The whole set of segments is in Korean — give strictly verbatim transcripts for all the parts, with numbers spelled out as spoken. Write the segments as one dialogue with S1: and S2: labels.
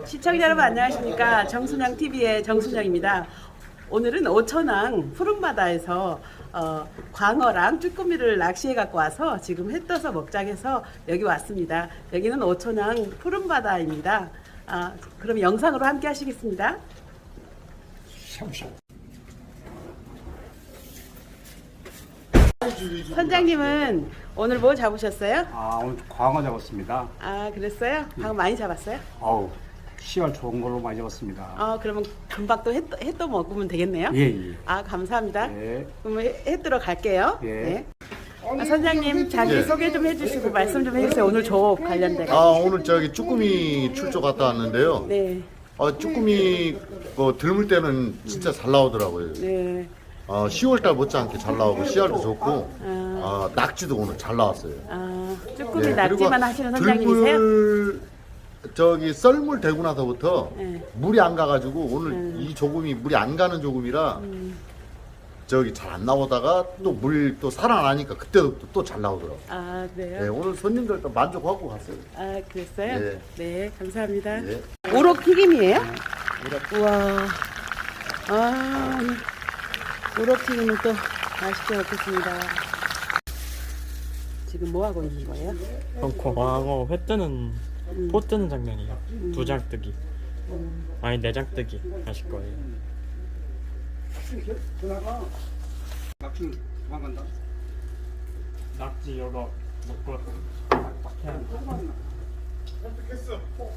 S1: 시청자 여러분 안녕하십니까. 정순영티비의 정순영입니다. 오늘은 오천항 푸른바다에서 어, 광어랑 쭈꾸미를 낚시해 갖고 와서 지금 해 떠서 먹자해서 여기 왔습니다. 여기는 오천항 푸른바다입니다. 아, 그럼 영상으로 함께 하시겠습니다. 선장님은 오늘 뭐 잡으셨어요?
S2: 아, 오늘 광어 잡았습니다.
S1: 아, 그랬어요? 방금 많이 잡았어요?
S2: 어우, 씨알 좋은 걸로 많이 잡았습니다.
S1: 아, 그러면 금방 또 해 떠 먹으면 되겠네요?
S2: 예, 예.
S1: 아, 감사합니다.
S2: 예.
S1: 그럼 해, 해 뜨러 갈게요.
S2: 예.
S1: 네. 아, 선장님 자기
S3: 예.
S1: 소개 좀 해주시고 말씀 좀 해주세요. 오늘 조업 관련돼.
S3: 아 오늘 저기 쭈꾸미 출조 갔다 왔는데요.
S1: 네,
S3: 아 쭈꾸미 그 들물 때는 진짜 잘 나오더라고요.
S1: 네.
S3: 아 시월달 못지않게 잘 나오고 씨알도 좋고 아 낙지도 오늘 잘 나왔어요.
S1: 아, 쭈꾸미
S3: 예,
S1: 낙지만
S3: 그리고
S1: 하시는 선장님이세요?
S3: 들물 저기 썰물 대고 나서부터
S1: 네.
S3: 물이 안 가가지고 오늘 이 조금이 물이 안 가는 조금이라 저기 잘 안 나오다가 또 물 또 살아나니까 그때도 또 잘 나오더라고요.
S1: 아,
S3: 네,
S1: 그래요?
S3: 오늘 손님들도 만족하고 갔어요.
S1: 아, 그랬어요?
S3: 네.
S1: 네, 감사합니다.
S3: 예.
S1: 우럭 튀김이에요? 우와. 아, 우럭 튀김은 또 맛있게 먹겠습니다. 지금 뭐 하고 있는 거예요?
S4: 그럼 광어 회 뜨는 포 뜨는 장면이요. 두 장 뜨기. 아니 네 장 뜨기 하실 거예요.
S2: 전화가 낙지 도망간다.
S4: 낙지 여러 먹고
S5: 선택했어.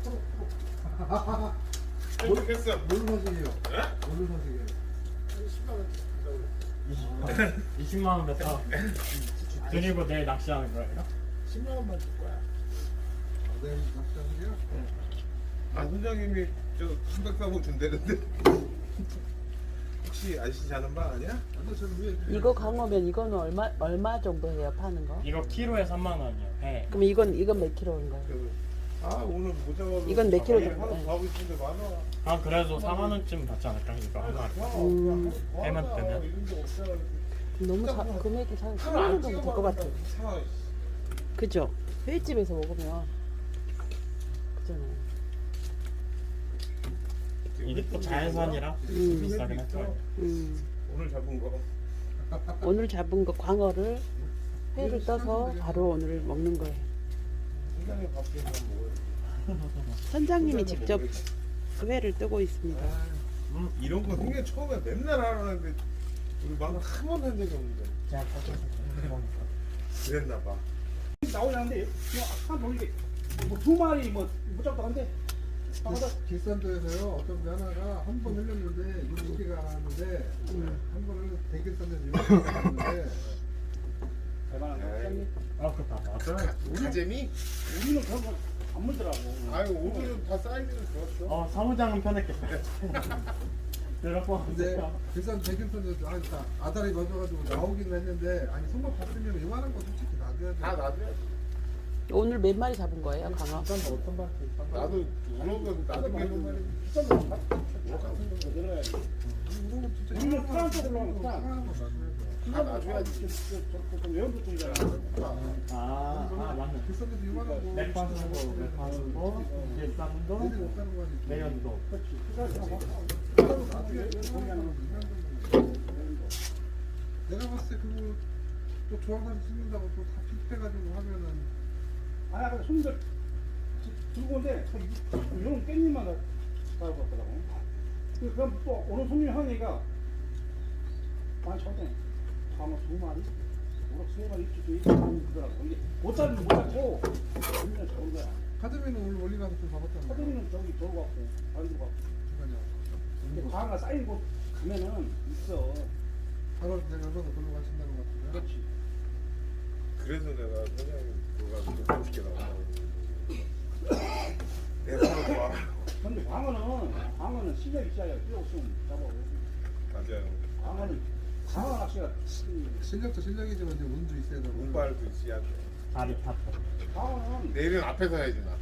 S5: 선택했어.
S6: 뭘로 사시게요? 뭘로 사시게요?
S4: 이십만 원 뱉어 드리고 내일 낚시하는 거예요?
S6: 십만 원만 줄 거야. 아, 내일 낚시하시게요?
S5: 아 선장님이 저 삼백사복 준다는데 혹시 아시지 않은 바 아니야?
S6: 근데 저는 왜
S1: 이거 광어면 이거는 얼마 얼마 정도 해요? 파는 거?
S4: 이거 키로에 삼만 원이요. 회.
S1: 그럼 이건 이건 몇 킬로인 거예요?
S5: 그, 아 오늘 못 잡아서
S1: 이건 몇 킬로
S5: 하루
S1: 정도?
S5: 가고 있는데 많아.
S4: 아 그래도 사만 원쯤 받지 않을까 이거 하나.
S1: 음.
S4: 해만 뜨면?
S1: 너무 사, 금액이 한 삼만 원 정도 될 것 같아요.
S5: 사.
S1: 그죠? 회집에서 먹으면 그잖아요.
S4: 이게 또 자연산이라
S1: 음.
S4: 비싸긴 할 거예요.
S1: 음.
S5: 오늘 잡은 거.
S1: 오늘 잡은 거 광어를 회를 떠서 바로 오늘 먹는 거예요.
S5: 선장님 밥좀 먹어요.
S1: 선장님이 직접 그 회를 뜨고 있습니다.
S4: 음.
S5: 이런 거 생애 처음에 맨날 하는데 우리 막 한 번도 한 적이 없는데
S4: 제가 가져서
S5: 그랬나 봐.
S2: 나오려는데 한 돌리게 뭐두 마리 뭐 무작도 한데
S6: 길산도에서요 어떤 분 하나가 한 번 흘렸는데 일곱 개가 나왔는데 한 번 흘려서 대길산도에서 일곱 개가 나왔는데
S2: 대단한 거 선장님.
S4: 아 그렇다 맞아요.
S5: 가재미?
S2: 우리는 그런 거 안 물더라고.
S5: 아유 오늘은 다 사이즈는 좋았어.
S4: 어 사무장은 편했겠다. 그래갖고
S6: 근데 길산 대길산도에서 아니 다 아다리 맞아가지고 나오긴 했는데 아니 손목 봤으면 이만한 거 솔직히 놔둬야 돼.
S5: 다 놔둬야
S1: 오늘 몇 마리 잡은 거예요, 광어?
S4: 어떤 발
S5: 나도 우럭은 나도
S2: 많은
S5: 말이
S2: 비싼 거 사- 우럭 같은 거 늘어야지.
S6: 이거는 진짜
S2: 우리는
S6: 이만한
S2: 프랑스
S6: 거
S2: 들어가면 프랑스.
S6: 이만한 거 놔둬야 돼.
S5: 다 놔줘야지.
S2: 좀 외연보통이잖아.
S4: 아, 아 맞네.
S6: 길산도에서 이만한 거
S4: 맥반스고 맥반스고 일산도
S6: 애들이 없다는 거 아니지.
S4: 내연도.
S6: 내가 봤을 때 그거 또 조항사를 쓰는다고 또 다 픽해가지고 하면은
S2: 아니 아까 손님들 들고 온데 이런 깻잎만 가지고 왔더라고. 그- 그럼 또 오늘 손님 하니까 많이 쳤대. 아마 두 마리, 오락 세 마리 입주도 있고 그러더라고. 이게 못 잡으면 못 잡고 손님은 잡은 거야.
S6: 카드미는 오늘 멀리 가서 좀 잡았잖아.
S2: 사장님은 저기 저거 갖고 안 들고 갖고. 근데 과가 쌓인 곳 가면은 있어.
S6: 바로 내려서 걸로 가신다는 것 같은데.
S2: 그렇지.
S5: 그래서 내가 선장님 그거 가지고 멋있게 나온다고. 내가 그거 좋아.
S2: 근데 광어는 광어는 실력이 있어야 필요 없으면 잡아.
S5: 맞아요.
S2: 광어는 광어 낚시가
S6: 실력도 실력이지만 이제 운도 있어야 되고.
S5: 운발도 있어야 돼.
S4: 다리 탔다.
S2: 광어는
S5: 내일은 앞에서 해야지 나.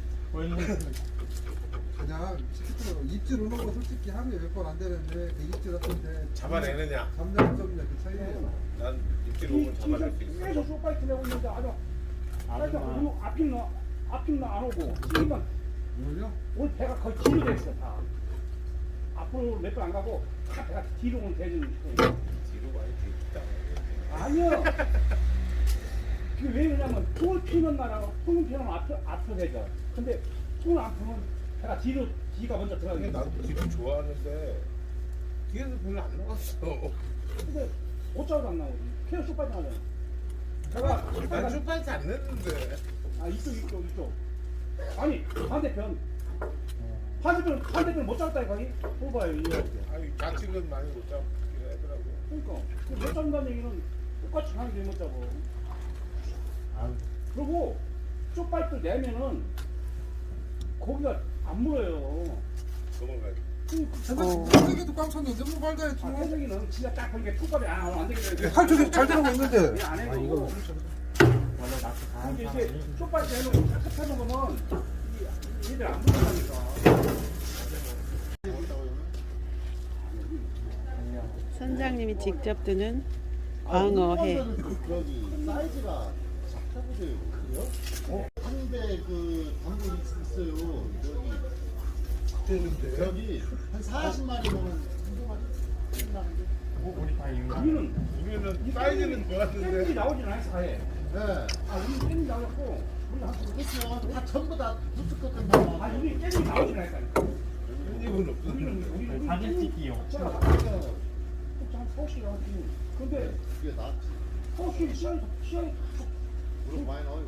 S6: 그냥 시키더라고. 입질 오는 거 솔직히 하루에 몇 번 안 되는데 그 입질 같은데
S5: 잡아내느냐?
S6: 잠자는 점이냐 그 차이예요.
S5: 난 입질 오면 잡아낼 수 있어.
S2: 계속 쇼파이트 내고 있는데 아주 빨리
S4: 아줌마.
S2: 오고 앞핀 너 앞핀 너안 오고 찌만
S6: 오늘요?
S2: 오늘 배가 거의 뒤로 됐어 다. 앞으로 몇 번 안 가고 다 배가 뒤로 오는 대전.
S5: 뒤로 많이 뒤다.
S2: 아니요. 그게 왜 그러냐면 통을 피는 날하고 통을 피는 앞으로 앞으로 되죠. 근데 통을 안 피면 배가 뒤로 뒤가 먼저
S5: 근데
S2: 들어가게.
S5: 나도 뒤로 좋아하는데 뒤에서 별로 안 나왔어.
S2: 근데 어쩌고 안 나오지? 케어 쇼파지 나잖아. 배가
S5: 난
S2: 배가
S5: 쇼파이트 안 냈는데.
S2: 아 이쪽 이쪽 이쪽. 아니 반대편. 반대편 반대편 못 잡았다니까 이. 뽑아요 이거.
S5: 아니 좌측은 많이 못 잡긴 하더라고.
S2: 그러니까 그못 잡는다는 얘기는 똑같이 가는 게못 잡아. 그리고 쪽파이트 내면은 고기가 안 물어요.
S5: 도망가지.
S6: 세상에도 꽝 쳤는데 뭐 말도 안
S2: 아,
S6: 해.
S2: 태석이는 진짜 딱 그렇게 톱밥이 안, 안 되게
S6: 칼쪽이 잘 들어가고 있는데.
S2: 안 해도.
S4: 원래 낚시 다 하는
S2: 근데
S4: 사람이
S2: 이제 쪽파이트 해놓고 탁탁 해놓으면 이- 얘들 안 물어가니까.
S1: 선장님이 직접 드는 광어회.
S3: 저기 사이즈가 작다보세요. 그래요? 어? 한대 그 단물 있어요. 저기 저기 한 사십 마리 먹은 한두 마리 끝나는데.
S4: 뭐 우리 다 이거
S2: 우리는
S5: 우리는 사이즈는
S2: 깻잎이
S5: 좋았는데
S2: 나오진 않았어 아예.
S3: 네.
S2: 아 우리 깻잎 나왔고 우리 한
S3: 그렇죠. 다 전부 다 부스컷된 거.
S2: 아 우리 깻잎 나오진 않았다니까.
S5: 깻잎은 없어.
S2: 우리는 우리 우리
S4: 사진 찍기용.
S2: 제가 한 서울시 나왔지. 근데
S3: 이게 낫지.
S2: 서울시 시장이 시장이
S3: 무릎 많이 나와요.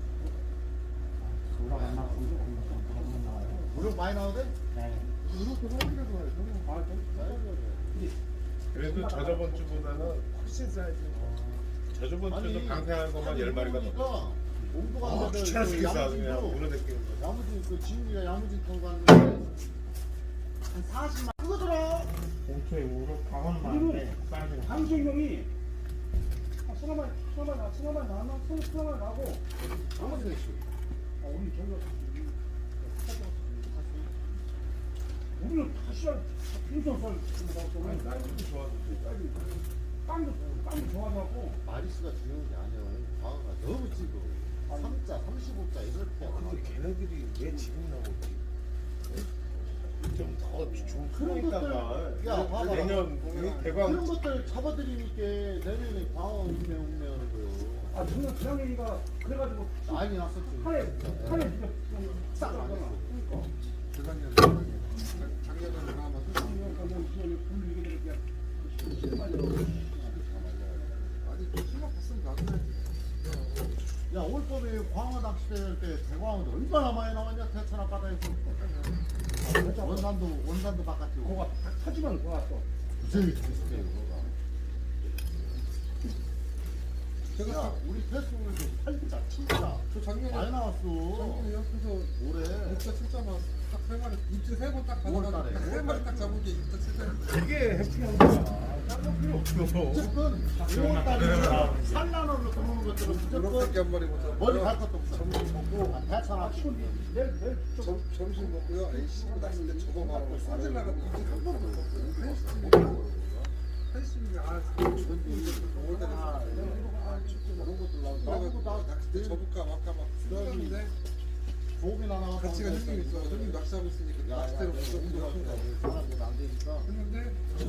S3: 무릎.
S4: 우리가 만나고 나와요.
S3: 무릎 많이 나오대?
S4: 네.
S6: 이렇게 사람이라고 해요.
S2: 아 좀.
S5: 그래도 저저번 주보다는 훨씬 사이즈. 저저번 주도 방생한 것만 열 마리가 넘어.
S3: 몽도가
S5: 아, 귀찮아서 그냥 그냥
S3: 야무진도
S5: 물어댔기는 거.
S3: 야무진 그 지훈이가 야무진 통 갔는데 한 사십만 그거더라.
S4: 공초에 우로 강원 많은데 사이즈가
S2: 강수형이 승하만 승하만 승하만 나왔나 승 승하만 나고
S3: 야무진 했어.
S2: 아 우리 저기가 우리는 시장 인천 썰
S5: 아니, 난 이렇게 좋아서
S2: 빵도 빵도 좋아하고
S3: 마리수가 중요한 게 아니야. 광어가 너무 찍어. 삼자, 삼십오자 이렇게.
S5: 근데 걔네들이 왜 지금 나오지? 좀 더 좋은
S3: 그런
S5: 큰
S3: 것들,
S5: 있다가
S3: 야, 봐봐.
S5: 내년
S3: 그런
S5: 대광
S3: 것들 잡아드리니까 내년에 광어 운매 운매하는 거예요.
S2: 아 저는 지난해가 그래가지고
S3: 난리 났었지.
S2: 한해 한해 진짜
S3: 싹 안 했어.
S2: 그러니까
S6: 재작년에 작년에 하나 아니 그 수박 봤으면 놔둬야지.
S3: 야, 올 봄에 광어 낚시대 할때 대광어도 얼마나 많이 나왔냐 대천 앞바다에서. 원산도 원산도 바깥에 오고.
S2: 그거가 타지만 좋았어.
S3: 무지하게 비슷해요. 그거가.
S6: 제가
S3: 야, 우리 패스볼도 팔자, 칠자
S6: 저 작년에
S3: 많이 나왔어.
S6: 작년에 옆에서
S3: 올해.
S6: 입자 칠자만 딱세 마리 입질 세번딱
S3: 오월달에.
S6: 가져가지고 세 마리 딱 잡은 게 입자 칠자.
S5: 이게 해피한 거야. 딴거 필요 없어.
S3: 무조건 오월달에 산란으로 들어오는 것들은
S6: 이렇게
S3: 무조건
S6: 한 마리 못 잡고
S3: 머리 갈 것도 없어.
S6: 점심 먹고
S3: 아, 대천 앞.
S2: 내일 내일
S6: 점, 점심 먹고요. 에이씨 낚시 때 저거 말하고 싸질라가 입질 한 번도 못 먹고 한심이 아 오월달에
S3: 아, 그런 것들 나오고. 나오고 나
S6: 낚시 때 접을까 말까 막 생각하는데
S3: 조업이나 나와서.
S6: 가치가 형님 있어. 형님 낚시하고 있으니까
S3: 야, 야,
S6: 낚시대로
S3: 운동할 때
S6: 무조건
S3: 사람들 안 되니까.
S6: 했는데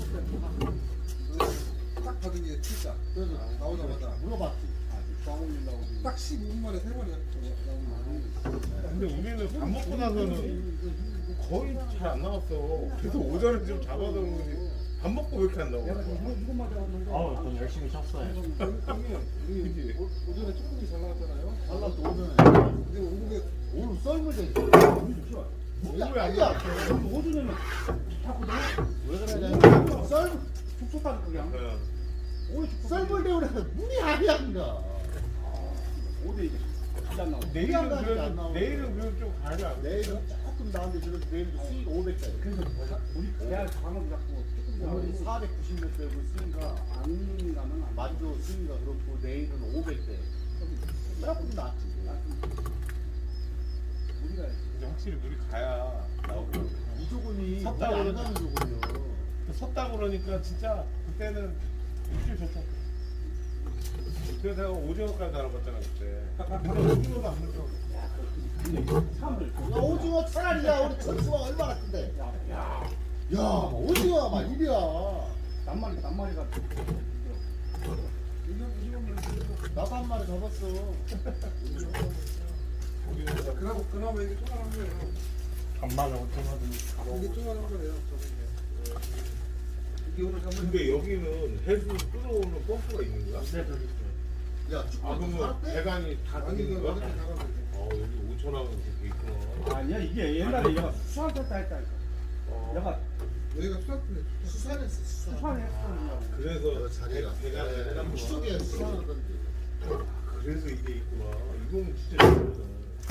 S6: 딱 받은 게 칠자.
S3: 그래서
S6: 나오자마자
S3: 물어봤지.
S6: 딱 십오 분 만에 세 마리 나오는
S5: 근데 우리는 밥 먹고 나서는 거의 잘 안 나왔어. 계속 오전에 좀 잡아서 그런지 밥 먹고 왜 이렇게 안 나와?
S2: 내가 이거 이거 맞아봤는데.
S4: 아우 전 열심히 쳤어요.
S6: 형님 우리
S5: 그지?
S6: 오- 오전에 쭈꾸미 잘 나왔잖아요.
S3: 달라도 오전에.
S6: 근데 오후에
S3: 오늘 썰물 돼.
S5: 오후에 안 나왔어.
S2: 오전에는 자꾸 나
S3: 왜 그러냐? 썰
S2: 죽속하는 그냥.
S5: 어.
S2: 오해 죽속.
S3: 썰물 대우래 물이 아니야 그가.
S2: 오대 이제 안 나오고.
S5: 내일은
S3: 안
S5: 그래도
S3: 나오고.
S5: 내일은 그래도 좀 가자.
S3: 내일은 조금 나은데 그래도 내일도 수익 오백짜리.
S2: 그래서 우리 대학 강원 잡고 조금
S3: 오늘
S2: 나오고
S3: 사백구십 몇 대고 수익가
S2: 안 가면 안
S3: 만조 수익가 그렇고 내일은 오백 대. 조금 낫지.
S2: 우리가
S5: 근데 확실히 물이 가야 나오고.
S3: 이 조금이
S5: 섰다
S3: 물이 안
S5: 그러지.
S3: 가는 조금이요.
S5: 섰다 그러니까 진짜 그때는 입질 좋다. 그래서 내가 오징어까지 알아봤잖아 그때. 근데 오징어가 안 물어.
S2: 사람들
S3: 야, 오징어 차라리야 우리 천수가 얼마나 큰데.
S2: 야,
S3: 야 오징어 막 이리야.
S2: 낱마리 낱마리가
S3: 나도 한 마리 잡았어.
S6: 그나마 그나마 이게 조그만한 거예요.
S4: 간만 오징어
S6: 이게 조그만한 거예요. 저게. 이게 오늘 잡은
S5: 근데 여기는 해수 끌어오는 펌프가 있는 거야?
S3: 야
S5: 아
S3: 쭈꾸미
S5: 그러면
S3: 살았대?
S5: 배관이 다
S6: 아니
S5: 되는
S6: 이거
S5: 거야?
S6: 어떻게 나가면 되지?
S5: 어 여기 오천 원 그렇게 있구나.
S2: 아니야 이게 옛날에 얘가 수산 탔다 했다니까.
S5: 어.
S2: 얘가
S6: 여기가 수학군에
S3: 수산했어 수산.
S2: 수산을 했거든요.
S5: 그래서
S3: 자리가
S5: 배관을 해놨구나.
S3: 추석에 수산하던데.
S5: 그래서 이게 있구나. 이건 진짜 좋다.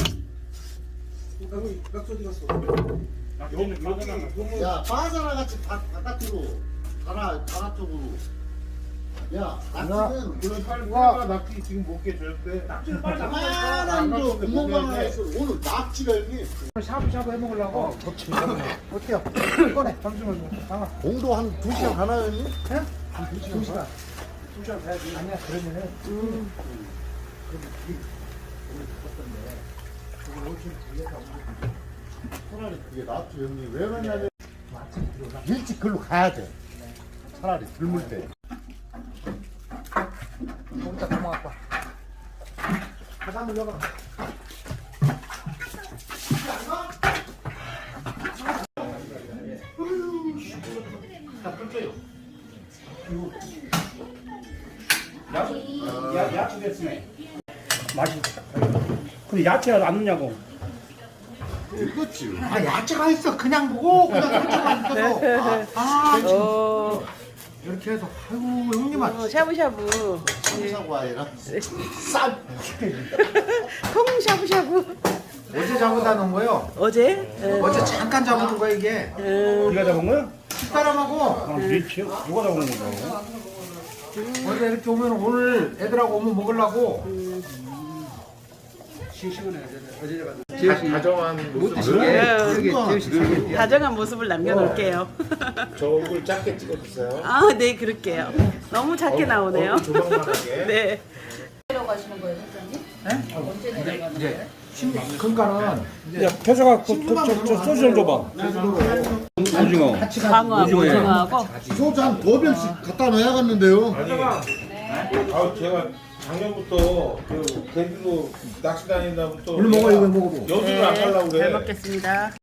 S6: 여기 낙서 어디 갔어?
S5: 여기 여기 그러면
S3: 야 바나나 같이 바, 바깥으로 바나 바나 쪽으로. 야 낙지는 그런
S5: 팔과 낙지 지금 못 깨줬대.
S2: 낙지를 빨리
S3: 가만한 거 구멍만 하나 있어. 오늘 낙지가 형님
S2: 샤브샤브 해 먹으려고. 어때요? 꺼내. 잠시만요. 나가.
S3: 공도 한 두 시간 하나 형님?
S2: 두 시간. 두 시간 가야지. 아니야 그러면은.
S3: 차라리 그게 낫죠 형님. 왜 그러냐면 일찍 글로 가야 돼. 차라리 들물 때.
S2: 거기다 담아갖고 와. 가장 올려가. 야, 야, 야채 됐으네. 맛이. 근데 야채가 안 넣냐고.
S3: 읽었지.
S7: 아 야채가 있어 그냥 보고 그냥 상처만 있어서 아
S1: 어,
S7: 이렇게 해서 아이고 형님아
S1: 어, 샤브샤브.
S3: 청사과 아니라 쌈.
S1: 통 샤브샤브.
S7: 어제 잡아다 놓은 거요
S1: 어제? 예.
S7: 어제 잠깐 잡아둔 거야 이게
S1: 음,
S2: 네가 잡은 거야?
S7: 식사람하고
S2: 아, 미치. 누가 잡은 거야?
S7: 어제 이렇게 오면 오늘 애들하고 오면 먹으려고
S5: 다정한 모습.
S1: 예, 다정한 모습을 남겨놓을게요.
S5: 저 얼굴 작게 찍어주세요.
S1: 아, 네, 그럴게요. 너무 작게 나오네요.
S5: 얼굴 조망만하게.
S1: 네.
S8: 내려가시는 거예요, 선생님? 언제 내려가는 거예요?
S7: 그러니까는
S2: 야, 태서가 그, 그, 저, 저 소주 좀 줘봐. 오징어.
S1: 광어하고 오징어하고.
S3: 소주 한 두 병씩 갖다 놔야겠는데요.
S5: 아니, 아 제가 작년부터 그 제주도 낚시 다니다부터
S7: 오늘 먹어 이거 먹어도
S5: 여수를 안 가려고
S1: 잘
S5: 그래.
S1: 먹겠습니다.